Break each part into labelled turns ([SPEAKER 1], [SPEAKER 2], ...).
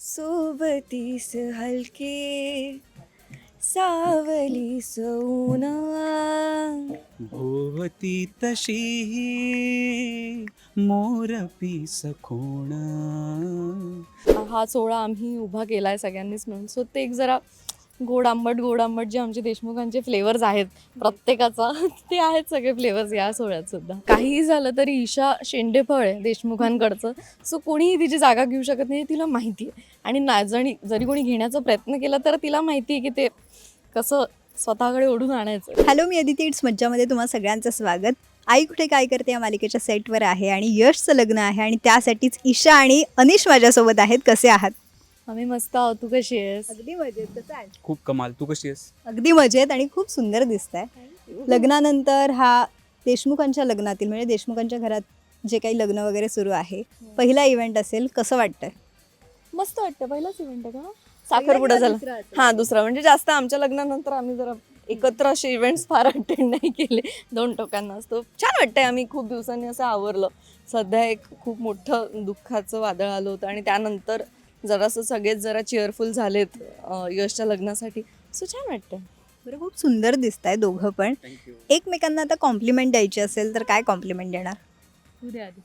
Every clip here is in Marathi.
[SPEAKER 1] सोबतीस हलके सावली सौना.
[SPEAKER 2] भोवती तशीही मोरपी सखोण.
[SPEAKER 1] हा सोहळा आम्ही उभा केला आहे सगळ्यांनीच मिळून. सो ते एक जरा गोड आंबट जे आमचे देशमुखांचे फ्लेवर्स आहेत प्रत्येकाचा ते आहेत सगळे फ्लेवर्स या सोहळ्यात सुद्धा. काहीही झालं तरी ईशा शेंडेफळ आहे देशमुखांकडचं. सो कोणीही तिची जागा घेऊ शकत नाही तिला माहिती आहे. आणि जरी कोणी घेण्याचा प्रयत्न केला तर तिला माहिती आहे की ते कसं स्वतःकडे ओढून आणायचं.
[SPEAKER 3] हॅलो, मी अदिती. इट्स मज्जामध्ये तुम्हा सगळ्यांचं स्वागत. आई कुठे काय करते या मालिकेच्या सेटवर आहे आणि यशचं लग्न आहे आणि त्यासाठीच ईशा आणि अनिश माझ्यासोबत आहेत. कसे आहात?
[SPEAKER 1] आम्ही मस्त आहोत. तू कशी आहेस?
[SPEAKER 3] अगदी मजेत. कसं आहे?
[SPEAKER 2] खूप कमाल. तू कशी आहेस?
[SPEAKER 3] अगदी मजेत आणि खूप सुंदर दिसत आहे. लग्नानंतर हा देशमुखांच्या लग्नातील म्हणजे देशमुखांच्या घरात जे काही लग्न वगैरे सुरू आहे, पहिला इव्हेंट असेल. कसं वाटतंय?
[SPEAKER 1] मस्त वाटतं. पहिलाच इव्हेंट आहे का? साखरपुडा झाला. हां, दुसरा. म्हणजे जास्त आमच्या लग्नानंतर आम्ही जरा एकत्र असे इव्हेंट्स फार अटेंड नाही केले. दोन टोकांना असतो. छान वाटतंय. आम्ही खूप दिवसांनी असं आवरलं. सध्या एक खूप मोठं दुःखाचं वादळ आलं होतं आणि त्यानंतर जरासं सगळेच जरा चेअरफुल झालेत यशच्या लग्नासाठी. सो छान वाटतं.
[SPEAKER 3] बरं, खूप सुंदर दिसत आहे दोघं पण.
[SPEAKER 2] थँक्यू.
[SPEAKER 3] एकमेकांना आता कॉम्प्लिमेंट द्यायची असेल तर काय कॉम्प्लिमेंट देणार?
[SPEAKER 1] उद्या आधी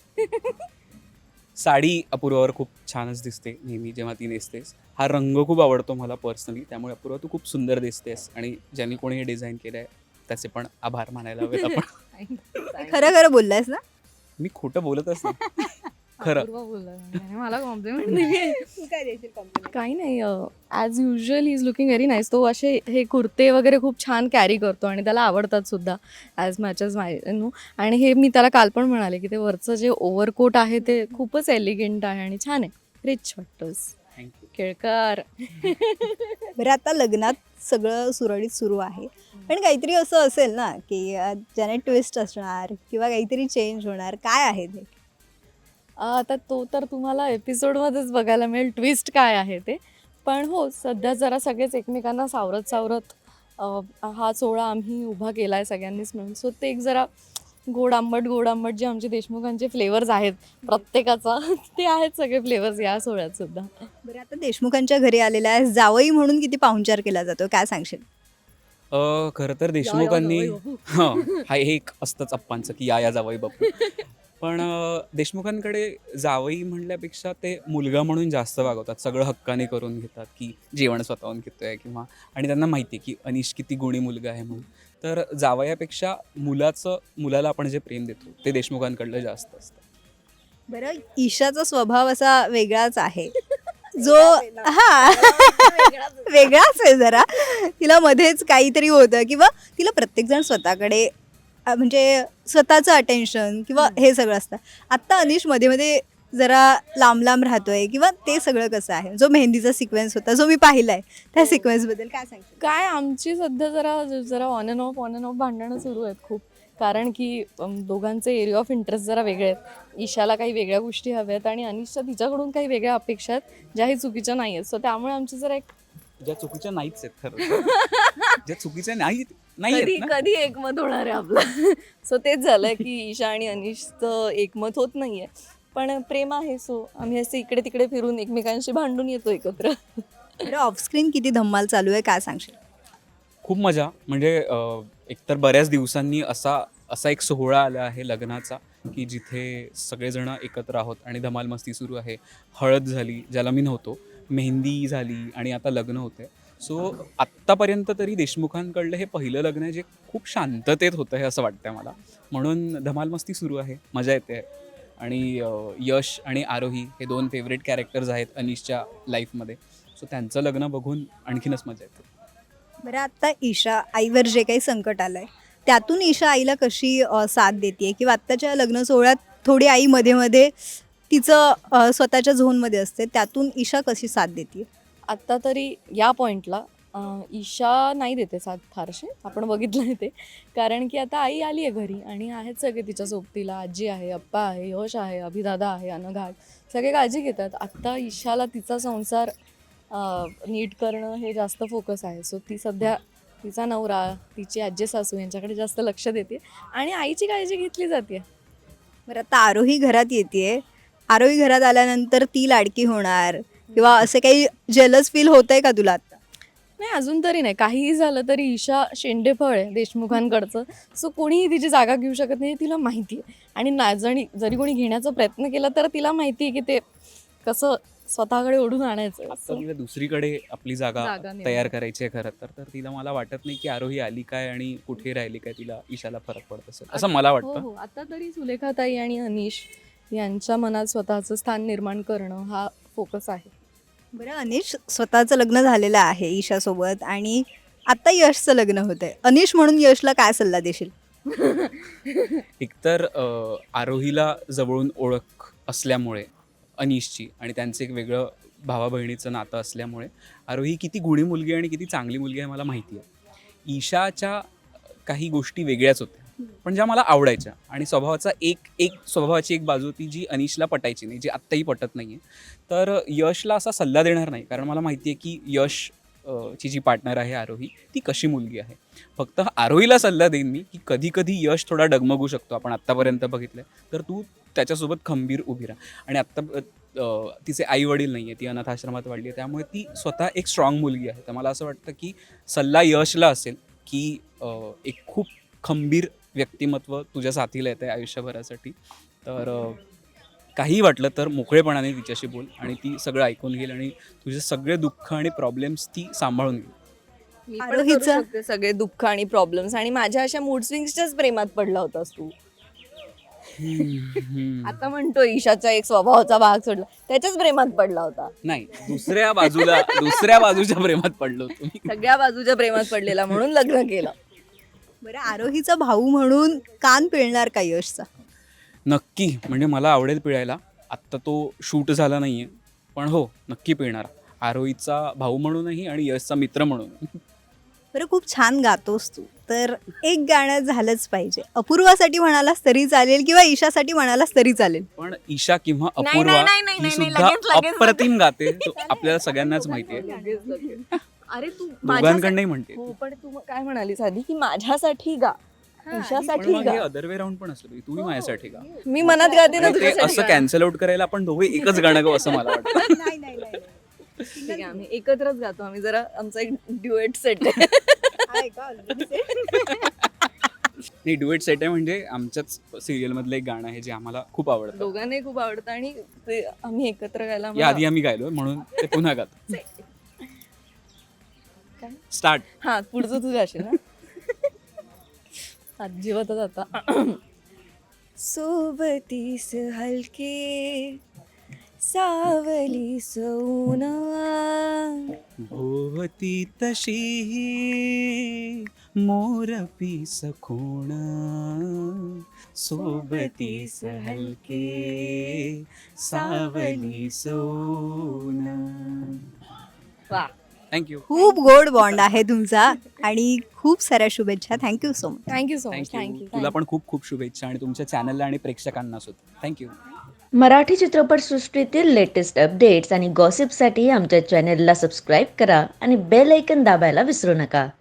[SPEAKER 2] साडी अपूर्वावर खूप छानच दिसते नेहमी जेव्हा ती नेसतेस. हा रंग खूप आवडतो मला पर्सनली. त्यामुळे अपूर्वा तू खूप सुंदर दिसतेस आणि ज्यांनी कोणी हे डिझाईन केलं आहे त्याचे पण आभार मानायला हवेत आपण.
[SPEAKER 3] खरं खरं बोललायस ना?
[SPEAKER 2] मी खोटं बोलतच नाही. खरं.
[SPEAKER 1] अपूर्वा बोलला आणि मला कॉम्प्लिमेंट दिली.
[SPEAKER 3] तू काय देशील कॉम्प्लिमेंट?
[SPEAKER 1] काही नाही. As usual he is looking very nice. तो असे हे कुर्ते वगैरे खूप छान कॅरी करतो आणि त्याला आवडतात सुद्धा as much as my no. आणि हे मी त्याला काल पण म्हणाले की ते वरचं जे ओव्हरकोट आहे ते खूपच एलिगंट आहे आणि छान आहे. रिच वाटतोस.
[SPEAKER 2] थँक्यू.
[SPEAKER 1] केळकर.
[SPEAKER 3] बरं, आता लग्नात सगळं सुरळीत सुरू आहे, पण काहीतरी असं असेल ना की ज्याने ट्विस्ट असणार किंवा काहीतरी चेंज होणार. काय आहे ते?
[SPEAKER 1] आता तो तर तुम्हाला एपिसोडमध्येच बघायला मिळेल ट्विस्ट काय आहे ते. पण हो, सध्या जरा सगळेच एकमेकांना सावरत सावरत हा सोहळा आम्ही उभा केला आहे सगळ्यांनीच मिळून. सो ते एक जरा गोड आंबट जे आमचे देशमुखांचे फ्लेवर्स आहेत प्रत्येकाचा ते आहेत सगळे फ्लेवर्स या सोहळ्यात सुद्धा.
[SPEAKER 3] बरं, आता देशमुखांच्या घरी आलेला आहे, जावई म्हणून किती पाहुणचार केला जातो, काय सांगशील?
[SPEAKER 2] खरं तर देशमुखांनी
[SPEAKER 1] जावई बापू.
[SPEAKER 2] हां, हा एक असतंच अप्पांचं की या जावई बापू. पण देशमुखांकडे जावई म्हणल्यापेक्षा ते मुलगा म्हणून जास्त वागवतात. सगळं हक्काने करून घेतात की जेवण स्वतःहून घेतोय किंवा आणि त्यांना माहिती आहे की अनिश किती गुणी मुलगा आहे म्हणून. तर जावयापेक्षा मुलाला आपण जे प्रेम देतो ते देशमुखांकडलं जास्त असतं.
[SPEAKER 3] बरं, ईशाचा स्वभाव असा वेगळाच आहे जो हा वेगळाच आहे जरा. तिला मध्येच काहीतरी होतं किंवा तिला प्रत्येकजण स्वतःकडे म्हणजे स्वतःचं अटेन्शन किंवा हे सगळं असतं. आत्ता अनिश मध्ये मध्ये जरा लांब लांब राहतोय किंवा ते सगळं कसं आहे? जो मेहंदीचा सिक्वेन्स होता जो मी पाहिलाय, त्या सिक्वेन्सबद्दल काय सांगशील?
[SPEAKER 1] काय आमची सध्या जरा ऑन अँड ऑफ भांडणं सुरू आहेत खूप. कारण की दोघांचे एरिया ऑफ इंटरेस्ट जरा वेगळे आहेत. ईशाला काही वेगळ्या गोष्टी हव्या आहेत आणि अनिशच्या तिच्याकडून काही वेगळ्या अपेक्षा आहेत ज्याही चुकीच्या नाही आहेत. सो त्यामुळे आमची जरा एक
[SPEAKER 2] ज्या चुकीच्या नाहीच आहेत खरं. ज्या चुकीच्या नाही आहेत ना.
[SPEAKER 1] कधी एकमत होणार आहे आपलं. सो तेच झालंय की ईशा आणि अनिशचं एकमत होत नाहीये. पण प्रेम आहे. सो आम्ही असे इकडे तिकडे फिरून एकमेकांशी भांडून येतो एकत्र.
[SPEAKER 3] बरं, ऑफस्क्रीन किती धम्माल चालू आहे, काय सांगशील?
[SPEAKER 2] खूप मजा म्हणजे एकतर बऱ्याच दिवसांनी असा एक सोहळा आला आहे लग्नाचा की जिथे सगळेजण एकत्र आहोत आणि धमाल मस्ती सुरू आहे. हळद झाली ज्याला मी नव्हतो, मेहंदी झाली आणि आता लग्न होतं आहे. सो आत्तापर्यंत तरी देशमुखांकडलं हे पहिलं लग्न आहे जे खूप शांततेत होतं आहे असं वाटतं आहे मला. म्हणून धमाल मस्ती सुरू आहे, मजा येते. आणि यश आणि आरोही हे दोन फेवरेट कॅरेक्टर्स आहेत अनिशच्या लाईफमध्ये. सो त्यांचं लग्न बघून आणखीनच मजा येते.
[SPEAKER 3] बरं, आता ईशा आईवर जे काही संकट आलंय त्यातून ईशा आईला कशी साथ देते किंवा आत्ताच्या लग्न सोहळ्यात थोडी आई मध्ये मध्ये तिचं स्वतःच्या झोनमध्ये असते, त्यातून ईशा कशी साथ देते?
[SPEAKER 1] आत्ता तरी या पॉईंटला ईशा नाही देते साथ फारशी. आपण बघितलं आहे ते. कारण की आता आई आली आहे घरी आणि आहेत सगळे तिच्या सोबतीला. आजी आहे, अप्पा आहे, यश आहे, अभिदादा आहे, अनघाट, सगळे काळजी घेतात. आत्ता ईशाला तिचा संसार नीट करणं हे जास्त फोकस आहे. सो ती सध्या तिचा नवरा, तिची आजी सासू यांच्याकडे जास्त लक्ष देते आणि आईची काळजी घेतली जाते.
[SPEAKER 3] बरं, आता आरोही घरात येते. आरोही घरात आल्यानंतर ती लाडकी होणार किंवा असे काही जेलस फील होतंय का तुला आता?
[SPEAKER 1] नाही, अजून तरी नाही. काहीही झालं तरी ईशा शेंडेफळ आहे देशमुखांकडचं. सो कोणीही तिची जागा घेऊ शकत नाही हे तिला माहिती आहे. आणि जरी कोणी घेण्याचा प्रयत्न केला तर तिला माहिती आहे की ते कसं स्वतःकडे ओढून आणायचं.
[SPEAKER 2] आता तिला दुसरीकडे आपली जागा
[SPEAKER 1] जागा निर्माण.
[SPEAKER 2] तयार करायची आहे खरं तर तिला मला वाटत नाही की आरोही आली काय आणि कुठे राहिली काय तिला ईशाला फरक पडत असेल असं मला
[SPEAKER 1] हो
[SPEAKER 2] वाटतं.
[SPEAKER 1] हो, आता तरी सुलेखाताई आणि अनिश यांच्या मनात स्वतःचं स्थान निर्माण करणं हा फोकस आहे.
[SPEAKER 3] बरं, अनिश स्वतःचं लग्न झालेलं आहे ईशासोबत आणि आता यशचं लग्न होतंय. अनिश म्हणून यशला काय सल्ला देशील?
[SPEAKER 2] एकतर आरोहीला जवळून ओळख असल्यामुळे अनिशची आणि त्यांचं एक वेगळं भावा बहिणीचं नातं असल्यामुळे आरोही किती गुणी मुलगी आहे आणि किती चांगली मुलगी आहे मला माहिती आहे. ईशाच्या काही गोष्टी वेगळ्याच होत्या पण ज्या मला आवडायच्या आणि स्वभावाची एक बाजू होती जी अनिशला पटायची नाही, जी आत्ताही पटत नाही आहे. तर यशला असा सल्ला देणार नाही कारण मला माहिती आहे की यश ची जी पार्टनर आहे आरोही ती कशी मुलगी आहे. फक्त आरोहीला सल्ला देईन मी की कधी कधी यश थोडा डगमगू शकतो, आपण आत्तापर्यंत बघितलं आहे, तर तू त्याच्यासोबत खंबीर उभी राहा. आणि आत्ता तिचे आई वडील नाही आहे, ती अनाथ आश्रमात वाढली आहे, त्यामुळे ती स्वतः एक स्ट्रॉंग मुलगी आहे. तर मला असं वाटतं की सल्ला यशला असेल की एक खूप खंबीर व्यक्तिमत्व तुझ्या साथीला येतं आहे आयुष्यभरासाठी. तर काहीही वाटलं तर मोकळेपणाने तिच्याशी बोल आणि ती सगळं ऐकून घेईल आणि तुझे सगळे दुःख आणि प्रॉब्लेम्स ती सांभाळून घेईल.
[SPEAKER 1] मी पण
[SPEAKER 3] आरोहीचं-
[SPEAKER 1] करू शकते सगळे दुःख आणि प्रॉब्लेम्स. आणि माझ्या अशा मूड स्विंग्सच्याच प्रेमात पडला होतास तू. आता म्हणतो ईशाचा एक स्वभावाचा भाग सोडला, त्याच्याच प्रेमात पडला होता.
[SPEAKER 2] नाही, दुसऱ्या बाजूच्या प्रेमात पडलो तुम्ही.
[SPEAKER 1] सगळ्या बाजूच्या प्रेमात पडलेला म्हणून लग्न केलं.
[SPEAKER 3] बरं, आरोहीचा भाऊ म्हणून कान पिळणार का यशचा?
[SPEAKER 2] नक्की, म्हणजे मला आवडेल पिळायला. आत्ता तो शूट झाला नाहीये पण हो नक्की पिळणार. आरोहीचा भाऊ म्हणूनही आणि यशचा मित्र म्हणून.
[SPEAKER 3] बरं, खूप छान गातोस तू, तर एक गाणं झालंच पाहिजे. अपूर्वासाठी म्हणालास तरी चालेल किंवा ईशासाठी म्हणालास तरी चालेल.
[SPEAKER 2] पण ईशा किंवा
[SPEAKER 1] नाही,
[SPEAKER 2] अपूर्वा
[SPEAKER 1] नाही, नाही, नाही,
[SPEAKER 2] ही
[SPEAKER 1] नाही,
[SPEAKER 2] सुद्धा
[SPEAKER 1] लगेच.
[SPEAKER 2] अप्रतिम गाते, तो आपल्याला सगळ्यांनाच माहिती आहे.
[SPEAKER 1] अरे तू
[SPEAKER 2] दोघांकडनंही म्हणते.
[SPEAKER 1] हो, पण तू काय म्हणालीस आधी की माझ्यासाठी गा,
[SPEAKER 2] पण
[SPEAKER 1] ईशासाठी
[SPEAKER 2] मग हे
[SPEAKER 1] गा.
[SPEAKER 2] अदर वे राऊंड पण असलं पाहिजे, तूही माझ्यासाठी गा.
[SPEAKER 1] मी मनात गाते ना
[SPEAKER 2] आणि ते
[SPEAKER 1] तुझ्यासाठी
[SPEAKER 2] असं
[SPEAKER 1] गा.
[SPEAKER 2] कॅन्सल आउट करायला आपण दोघे एकच गाणं गाऊ असं मला वाटतं.
[SPEAKER 1] ठीक आहे, आम्ही एकत्रच गातो. आम्ही जरा आमचा एक ड्युएट सेट आहे.
[SPEAKER 2] नाही, डुएट सेट आहे म्हणजे आमच्याच सिरियल मधलं एक गाणं आहे जे आम्हाला खूप आवडतं.
[SPEAKER 1] दोघांनाही खूप आवडतं आणि ते आम्ही एकत्र गायला
[SPEAKER 2] या आधी आम्ही गायलो म्हणून ते पुन्हा गातो.
[SPEAKER 1] काय?
[SPEAKER 2] स्टार्ट.
[SPEAKER 1] हा, पुढचं तुझं असेल ना. अजिबातच आता. सोबतीस हलके सावली सौना
[SPEAKER 2] भोवती तशी मोरपी सखोण सोबतीस हलके सावली सोन.
[SPEAKER 1] वा.
[SPEAKER 2] थँक्यू.
[SPEAKER 3] खूप गोड बॉन्ड आहे तुमचा आणि खूप साऱ्या शुभेच्छा. Thank you so much.
[SPEAKER 1] Thank you so much.
[SPEAKER 2] Thank you. तुला पण खूप खूप शुभेच्छा आणि तुमच्या चॅनलला आणि प्रेक्षकांना सुद्धा थँक्यू.
[SPEAKER 4] मराठी चित्रपटसृष्टीतील लेटेस्ट अपडेट्स आणि गॉसिपसाठी आमच्या चॅनेलला सबस्क्राईब करा आणि बेल ऐकन दाबायला विसरू नका.